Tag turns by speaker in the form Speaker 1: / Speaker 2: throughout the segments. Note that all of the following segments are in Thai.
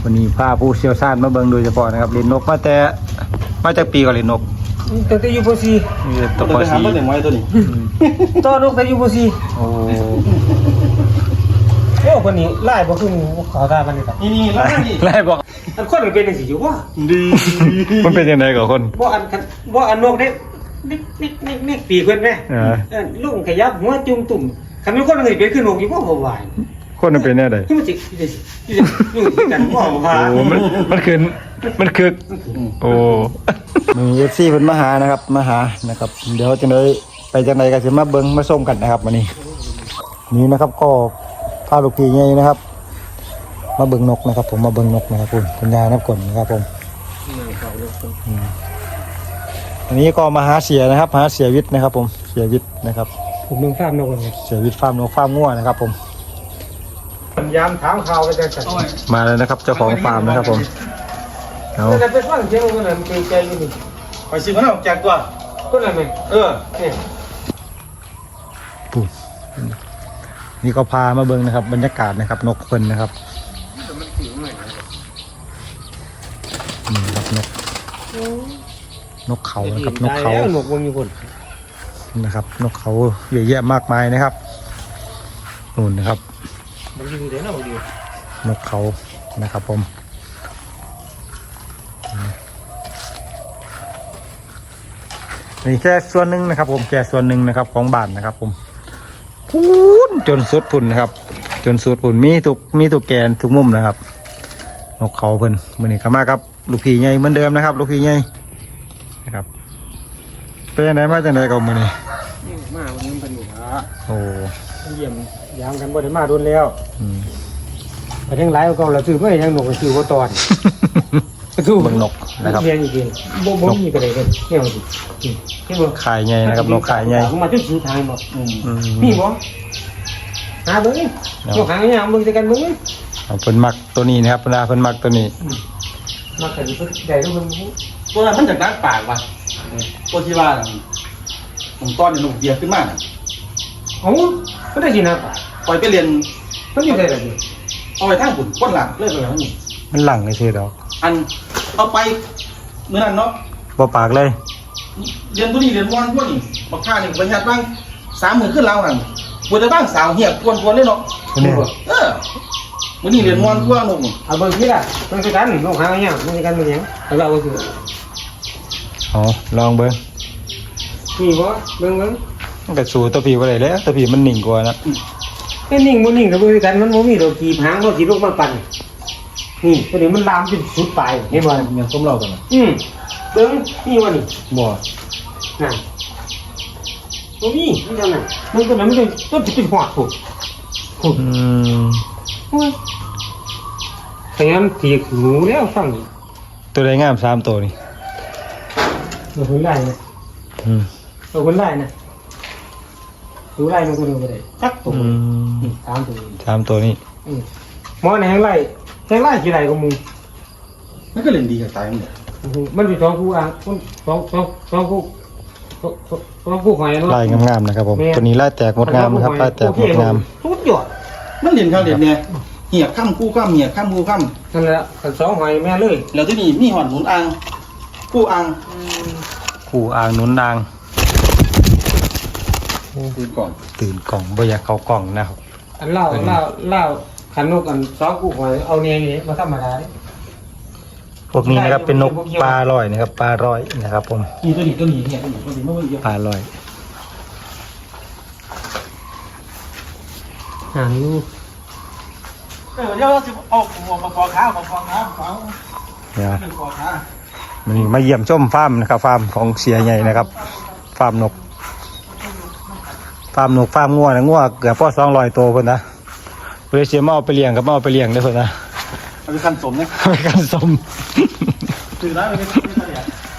Speaker 1: วันนี้พาผู้เชี่ยวชาญมาเบิ่งโดยเฉพาะนะครับเล่นนกมาจากปีก่อนเล่นนก
Speaker 2: ตั้งแต่อยู่ป .4
Speaker 1: ตัวป .4
Speaker 3: ตัวไว้ตัวนี้
Speaker 2: ตอนนกแต่อยู่ป .4
Speaker 1: โอ้
Speaker 2: คนนี้ไล่บ่คือขอทานมันนี่ครับ
Speaker 3: นี่แล้วนี่
Speaker 1: ไล่บอก
Speaker 2: อันคนมันเป็นจังซี่อยู่ว่า
Speaker 3: ดี
Speaker 1: มันเป็นยังไงกับคน
Speaker 2: บ่อันนกได้นิกปีเพิ่นแม่ลุงขยับหัวจุ่มตุ่มคันมีคนอื่นเป็นคือนกอยู่บ่บ่ไหว
Speaker 1: คนมันเป็นแน่ใด
Speaker 2: ที่มันสิอยู่กันบ่ว่า
Speaker 1: โอ้มันคือโอ้มีFC เพิ่นมาหานะครับมาหานะครับเดี๋ยวจังได๋ไปจังได๋ก็สิมาเบิ่งมาส้มกันนะครับวันนี้นี่นะครับก็พาลูกพี่ใหญ่นะครับมาเบิ่งนกนะครับผมมาเบิ่งนกนะครับคุณยายน้ำกลนะครับผมอันนี้ก็มาหาเสียนะครับหาเสียวิทย์นะครับผมเสียวิทย์นะครับ
Speaker 2: ผมนึงฟาร์มนกเลย
Speaker 1: เสียวิทย์ฟาร์มนกฟาร์มงัวนะครับผม
Speaker 2: ยามถามข่าวไปจังซั่น
Speaker 1: มาแล้วนะครับเจ้าของฟาร์มนะครับผมเอา
Speaker 2: แต่ไปฟังเสียงมันน่ะมันเป็นใจอยู่นี่
Speaker 3: ไปซื้อมันออกจากตัว
Speaker 2: คนนั้นแม่นี่
Speaker 1: ปุ๊บนี่ก็พามาเบิ่งนะครับบรรยากาศนะครับนกเพิ่นนะครับนี่ครับนกเขานะครับนกเขา
Speaker 2: นกวงอยู่คน
Speaker 1: นะครับนกเขาเยอะแยะมากมายนะครับนู่นนะครับ
Speaker 2: มันอยู่เด้อนะบ่อยู่
Speaker 1: นกเขานะครับผมนี่แค่ส่วนหนึ่งนะครับผมแค่ส่วนหนึ่งนะครับของบ้านนะครับผมพูนจนสุดพุ่นนะครับจนสุดพุ่นมีทุกแกนทุกมุมนะครับนกเขาเพิ่นมื้อนี้ก็มาครับลูกพี่ใหญ่เหมือนเดิมนะครับลูกพี่ใหญ่นะครับเป็นจังไดมาจังไดก็มื้อนี้
Speaker 2: มาวันนี้เพิ่นอยู่ฮะ
Speaker 1: โอ้
Speaker 2: เยี่ยมยามกันบ่ได้มาโดนแล้วไปทั้งหลายก็เราซื้อไม่ยังนกซื้อบ่ตอน
Speaker 1: ซื้อเบิ่งนกนะครับ
Speaker 2: เรียนจริงๆบ่มีก็ได้เด้อแนวสิเห็นบ่
Speaker 1: ขายใหญ่นะครับนกขายใหญ่
Speaker 2: มาจนสุดทางบ่มีบ่หาเบิ่งนกหางยาวเบิ่งใส่กันเบิ่ง
Speaker 1: เพิ่นมักตัวนี้นะครับเพิ่นมักตัวนี้
Speaker 2: มักกันเพิ่นได้ทุกคน
Speaker 3: ตัวนั้นมันจากนักปากว่ะตัวที่ว่าผมต้อนหนุ่มเบียร์ขึ้นมา
Speaker 2: เอ้าก็ได้สินะ
Speaker 3: ปล่อยไปเรียน
Speaker 2: เพิ่นอยู่ได้ล่ะนี่
Speaker 3: เอาไปทางปุ่นก้นหลังเลิกไปแล้วนี่
Speaker 1: มันหลังเลยสิดอก
Speaker 3: อันเอาไปเมื่อนั้นเนาะ
Speaker 1: บ่ปากเลย
Speaker 3: เรียนตัวนี้เรียนวันพวกนี้บักข้านี่บรรยัติบ้าง30,000ขึ้นแล้วหันปวดแต่บ้างสาวเหี่ยกวนเลยเนาะมื้อนี้เรียนวันพวกนุ่ม
Speaker 2: เอาเบิ่งสิล่ะเบิ่งใส่กันนกหางยาวเบิ่งใส่กันเป็นหยังเอาเราซื้อ
Speaker 1: อ๋อลองเบิ่ง
Speaker 2: มีบ่เบิ่ง
Speaker 1: มันก็สู้ตัวพี่บ่ได้แล้วตัวพี่มันนิ่งกว่านะ
Speaker 2: ไอ้นิ่งบ่นิ่งก็เบิ่งใส่กันมันบ่มีดอกกีบหางบ่สิลงมาปั่นนี่ตัวนี้มันลามจนสุดปลายเห็นบ่
Speaker 3: ยังต้มเรากันนะ
Speaker 2: เบิ่งนี่ว่านี่
Speaker 3: บ่
Speaker 2: นั่นบ่มีมันจังนั้นมันก็มันต้นสิเป็นหอดพุ่นโอ้ยแต่งั้นถีกหนูแล้วฟัง
Speaker 1: ตัวใดงาม3ตัวนี่
Speaker 2: เราคนไล่นะเราคนไล่นะดูไล่มันก็ดูไปได้จักตัว3 ตัว
Speaker 1: 3ตัวนี้
Speaker 2: หมอไหนแหงไล่กี่ไล่ก็มึง
Speaker 3: มันก็เล่นดีกับตายมันเนี่ย
Speaker 2: มันเป็น2คู่อ่ะ2คู่หอยเนาะ
Speaker 1: ลายงามๆนะครับผมตัวนี้ลายแตกงดงามนะครับลายแตกงดงาม
Speaker 2: สุดยอด
Speaker 3: มันเรียนข้าวเรียนเนี่ยเหี่ยค่ำคู่ค่ำเหี่ยค่ำคู่ค่ำ
Speaker 2: นั่นแหละกัน2หอยแม่เลย
Speaker 3: แล้วที่นี่มีหอดหนุนอ่างคู่อ่าง
Speaker 1: คู่อ่างหนุนนาง
Speaker 3: ตื่นก่อน
Speaker 1: ตื่นกล่องบ่อยากเข้ากล่องนะครับ
Speaker 2: อันเล่าขันนกอัน2คู่หอยเอาเนี่ยนี่มาธรรมดา
Speaker 1: พวกนี้นะครับเป็นนกปลาลอยนะครับปลาลอยนะครับผม
Speaker 3: นี่ตัวนี้เนี่ยตัวนี้ไม่เยอะ
Speaker 1: ปลาลอย
Speaker 2: หางอยู่
Speaker 3: เดี๋ยวจะออกมาคอขาขอ
Speaker 1: เนี่ย
Speaker 3: คอขา
Speaker 1: มันมาเยี่ยมชมฟาร์มนะครับฟาร์มของเสียใหญ่นะครับฟาร์มนกฟาร์มงัวนะงัวเกือบพอ200ตัวเพิ่นนะเพื่อเสียมาเอาไปเลี้ยงกับมาเอาไปเลี้ยงได้เพิ่นนะ
Speaker 3: เอาไปคันสมเนี่ย
Speaker 1: ไปกันสม
Speaker 3: ถือได้ไม่ได้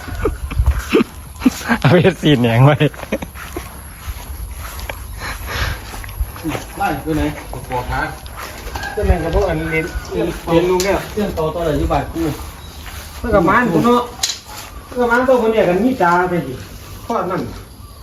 Speaker 1: เอาไปสีแหนงไว้
Speaker 3: ไล่ไปไหนคอขา
Speaker 2: ก็แม่งกับพวกอันเรียนลุงเนี่ย
Speaker 3: เรื่องโตอะไรที่บ้านกู
Speaker 2: เมื่อกับมันตัวเนาะเมื่อกับมันตัวคนเนี่ยกันมีตาไปสิข้อนั่น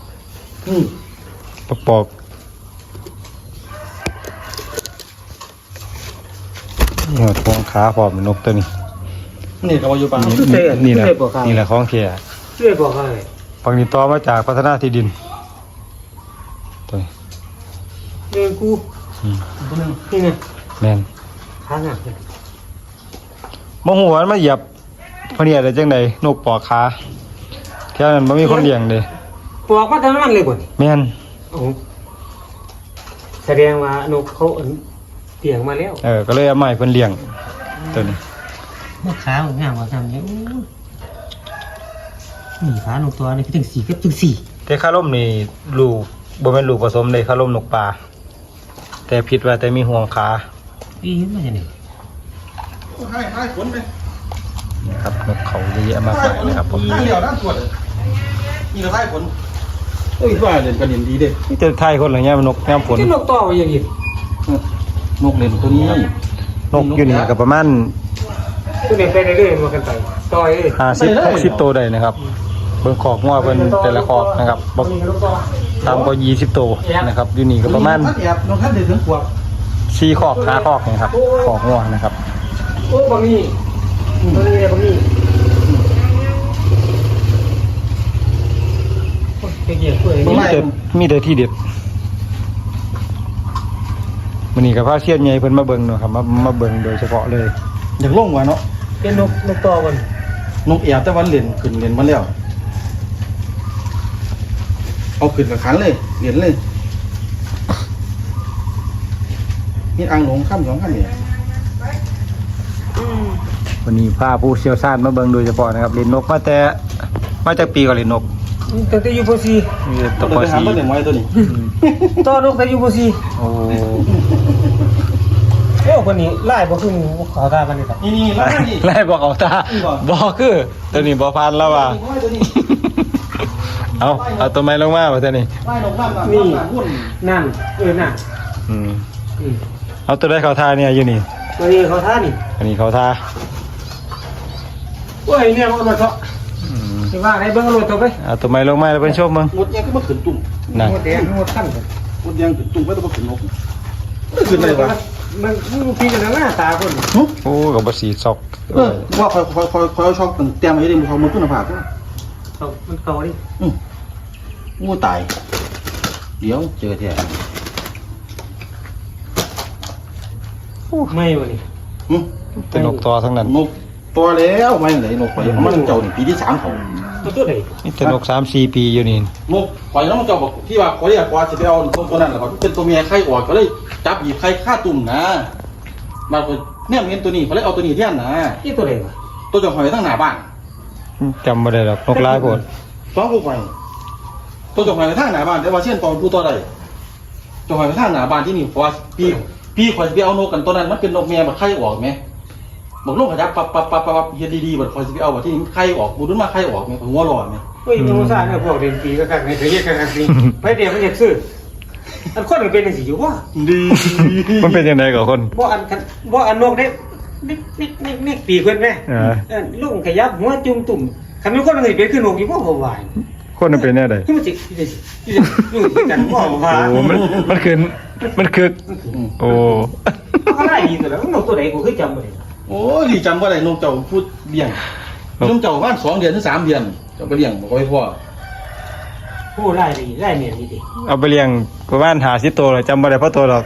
Speaker 1: ปอกนี่ทวงขาพร้อมนกตัวนี้
Speaker 3: นี่ก็ว่าอยู่ป่ะ
Speaker 1: นี่แหละนี่แหละของแท้
Speaker 2: ช่วยบอกอะไร
Speaker 1: ฝั่งนี้ต่อมาจากพัฒนาที่ดินตัวนี้
Speaker 2: เดินกู
Speaker 3: ตัวนึง
Speaker 2: นี่ไง
Speaker 1: แม่น
Speaker 2: ขาหัก
Speaker 1: บ่ฮู้ว่ามันมาเหยียบพะเนี่ยได้จังได๋นกปอกขาแถวนั้นบ่มีคนเลี้ยงเด้
Speaker 2: ปอกมาทั้งนั้นเลยบ่น
Speaker 1: แม่น
Speaker 2: โอ้แสดงว่านกเขาเตียงมาแล้ว
Speaker 1: ก็เลยเอามาให้เพิ่นเลี้ยงตัวนี้
Speaker 2: นกขางามกว่าทำเนี่ยนี่ขานกตัวนี้คือถึง4กับถึง4
Speaker 1: แต่คาร่มนี่ลูกบ่แม่นลูกผสมเลยคาร่มนกป่าแต่ผิดว่าแต่มีห่วงขา
Speaker 2: อีมันจะนี่
Speaker 3: ให้ฝนไป
Speaker 1: นี่ครับนกเขาเยอะแยะมากมายนะครับผม
Speaker 3: ให้เดียวด้านตรวจนี่ก็ให้ฝนเอ้ยว่าเด่นกันเด่นดีเด้
Speaker 1: นี่จะไทยคนเหรอเนี่ยนกยามฝน
Speaker 2: ที่นกต่ออย่างนี้
Speaker 3: นกเล่นตัวนี้
Speaker 1: นกอยู่นี่ก็ประมาณ
Speaker 2: ตัวนี้ไปเรื่อยๆมากันไปต่อยเลย
Speaker 1: 50-60ตัวได้นะครับเบิ่งขอกงัวเพิ่นแต่ละขอกนะครับบ่
Speaker 2: นี่นกต่อ
Speaker 1: ตามก็20ตัวนะครับอยู่นี่ก็ประมาณ
Speaker 3: ท่านแอบนกท่านเด่นถึงขวบ
Speaker 1: 4ขอก5ขอกนะครับขอกงัวนะครับ
Speaker 2: โอ้บางนี่ตัวนี้บางนี่เกี่ยวกับ
Speaker 1: มีแต่ที่เด็ดมื้อนี้ก็พาเซียนใหญ่เพิ่นมาเบิ่งเนาะครับมาเบิ่งโดยเฉพาะเลย
Speaker 3: อยากลงว่ะเนาะ
Speaker 2: เป็นนกต่อกัน
Speaker 3: นกแอบแต่วันเล่นขึ้นเล่นมาแล้วเอาขึ้นกับขันเลยเล่นเลยนี่อ่างหลงข้าม2ข้ามเนี่ย
Speaker 1: วันนี้พาผู้เชี่ยวชาญมาเบิ่งโดยเฉพาะนะครับเล่นนกมาจากปีก่อนเล่นนก
Speaker 2: ตั้งแต่อยู่ป .4
Speaker 1: นี่ต
Speaker 3: ตัว
Speaker 1: กป
Speaker 3: ไปหา
Speaker 1: สี
Speaker 3: มาเล่นไว้ตัวนี้
Speaker 2: ต่อนกแต่อยู่ป .4
Speaker 1: โอ้
Speaker 2: โอ้คนนี้ไล่บ่ขึ้นขอตากันนี่ครับ
Speaker 3: นี่แล้วนี่
Speaker 1: ไล่บอกเอาตาบอกคือตัวนี้บ่พันแล้วว่ะ
Speaker 3: ตัวนี้
Speaker 1: เอาตัวไม้ลงมาว่าตัวนี้
Speaker 3: ไล่นกน้ำนี่หุ้น
Speaker 2: นั่นนั่น
Speaker 1: อืมเอาตัวได้เขาทาเนี่ยอยู่นี่
Speaker 2: ตัวนี้เขาท่านี่
Speaker 1: อันนี้เขาทา
Speaker 2: โอ้ยเนี่ยมันมาเถอะ
Speaker 1: อืม
Speaker 2: สิว่าไหนเบิ่งรถต่อไป
Speaker 1: เอาตัวไม้ลงมาแล้วเป็นชมมึง
Speaker 3: หมดยังก็มาขึ้นตุ่ม
Speaker 1: น่ะ
Speaker 2: หมดแดงหมดขั้น
Speaker 3: หมดยังขึ้นตุ่มไม่ต้องมาขึ้นนกไม่ขึ้นอะไรวะ
Speaker 2: มันพี่กันหน้าตาคน
Speaker 1: โอ้กับบสีซอก
Speaker 3: ว่าคอยเอาช็อกเตรียมไว้ได้มึงเขามันขึ้นผ่าก็
Speaker 2: มันเก่าดิ
Speaker 3: งูตายเดี๋ยวเจอแท้
Speaker 2: ไม่วะนี่
Speaker 1: เป็นนกตัวทั้งนั้น
Speaker 3: นกตัวแล้วไม่ไหนนกไปมันเจ้าหนึ่งปีที่3เขา
Speaker 2: ตัวไหน
Speaker 1: นี่แต่นก3-4 ปีอยู่นี่
Speaker 3: นกปล่อยแล้วมันเจ้าบอกที่ว่าเขาเรียกว่าจะไปเอาตัวนั้นแหละเป็นตัวเมียไข่ออกก็เลยจับหยิบไข่ฆ่าตุ่มนะมาคนเนี่ยเห็นตัวนี้เขาเลยเอาตัวนี้เที่ยนนะ
Speaker 2: ที่ตัวไหนวะ
Speaker 3: ตัวจะหอยทั้งหน้าบ้าน
Speaker 1: จำไม่ได้หรอกนกร้ายโพด
Speaker 3: ฟ้องกูไปตัวจะหอยทั้งหน้าบ้านแต่ว่าเช่นตอนผู้ตัวใดจะหอยทั้งหน้าบ้านที่นี่เพราะพี่คอยไปเอานกกันตัวนั้นมันเป็นนกเมียแบบไข่ออกไหมบอกลูกขยับปับเฮ็ดดีๆแบบคอยจะไปเอาแบบที่นี่ไข่ออกบูดุนมาไข่ออกไหมหัวร้อนไหม
Speaker 2: เฮ้ยมึงซ่าเนี่ยพวกเรียนปีก็กันในเรียกกันสิไปเดี๋ยวมันอยากซื้ออันคนมันเป็นจังซี่อยู่ว่า
Speaker 3: ดี
Speaker 1: มันเป็นยังไงกับคน
Speaker 2: บ่อันนกได้นิกปีเพิ่นแม่ลุงขยับหัวจุ่มตุ่มคันมีคนมันสิเป็นคือนกอยู่บ่บ่วาย
Speaker 1: คนมันเป็นแน่ใด
Speaker 2: ที่มันสิอยู่กันบ่ว่า
Speaker 1: โอ้มันคือโอ้
Speaker 2: อะไรดีตัวแล้วนกตัวไหนกูเคยจำบ่ได้
Speaker 3: โอ้ดีจำว่าอะไรนกเจ้าพูดเลี้ยงนกเจ้าบ้าน2 เดือนถึง3 เดือนเจ้าไปเลี้ยงบอกไว้พ่อ
Speaker 2: ผู้ไล่ดีไล่เมียดีดิ
Speaker 1: เอาไปเลี้ยงประมาณ50 ตัวเลยจำไม่ได้เพราะตัวหรอก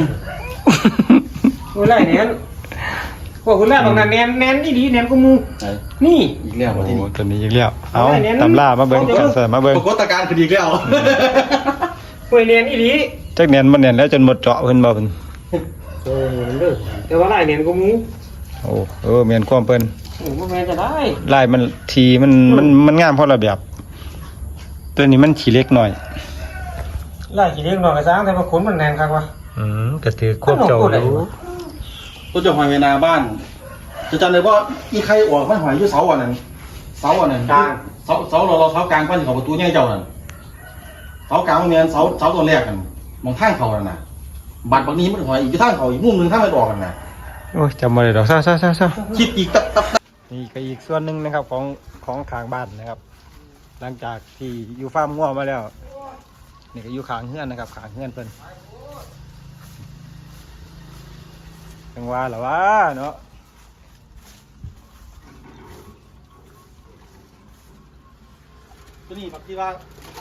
Speaker 2: ผู้ไล่เนี่ยพวกคุณไล่บางนั้นแนนนี่ดีแนนก็มูนี่
Speaker 3: อีกแล้ว
Speaker 1: โอ้
Speaker 3: ที่นี่
Speaker 1: ตัวนี้อีกแล้วเอาตำล่ามาเบิ้งกันใส่มาเบิ้ง
Speaker 3: ปรากฏการณ์คดีอีกแล้ว
Speaker 2: ผู้แนนนี่ดี
Speaker 1: จักเนียนมันเนียนแล้วจนหมดเจาะเพิ่นบ่เพิ่น
Speaker 2: โอ้เด้อแต่ว่าไล่แนนก็มู
Speaker 1: โอ้เมียนความเพิ่น
Speaker 2: มันแม่นจะได้
Speaker 1: ลายมันทีมันงามเพราะระเบียบตัวนี้มันขี้เล็กหน่อย
Speaker 2: ไล่กี่เลี้ยงหน่อยสร้างแต่ว่าขนมันแนนครับวะ
Speaker 1: ก็ถือควบเจ้าอยู่
Speaker 3: ตัวเจ้าหอยเวนาบ้าน จะจำเลยว่าอีใครออกไม่หอยอยู่เสาอันนั้นเสาเราเสากลางพันของประตูใหญ่เจ้านั่นเสากลางมันเมียนเสาตัวแรกกันมองข้างเขานั่นน่ะบัดบางนี้มันหอยอีกข้างเขาอีกมุมนึงข้างไม่ออกกันน่ะ
Speaker 1: โอ้ยจำบ่ได้ดอกซ่า
Speaker 3: คิดอีกตับ
Speaker 1: นี่ก็อีกส่วนหนึ่งนะครับของข้างบ้านนะครับ หลังจากที่อยู่ฟาร์มงัวมาแล้วนี่ก็อยู่ข้างเฮือนนะครับข้างเฮือนเพิ่นจังหวะเหรอวะเนาะ
Speaker 3: ตัวนี้บางทีว่า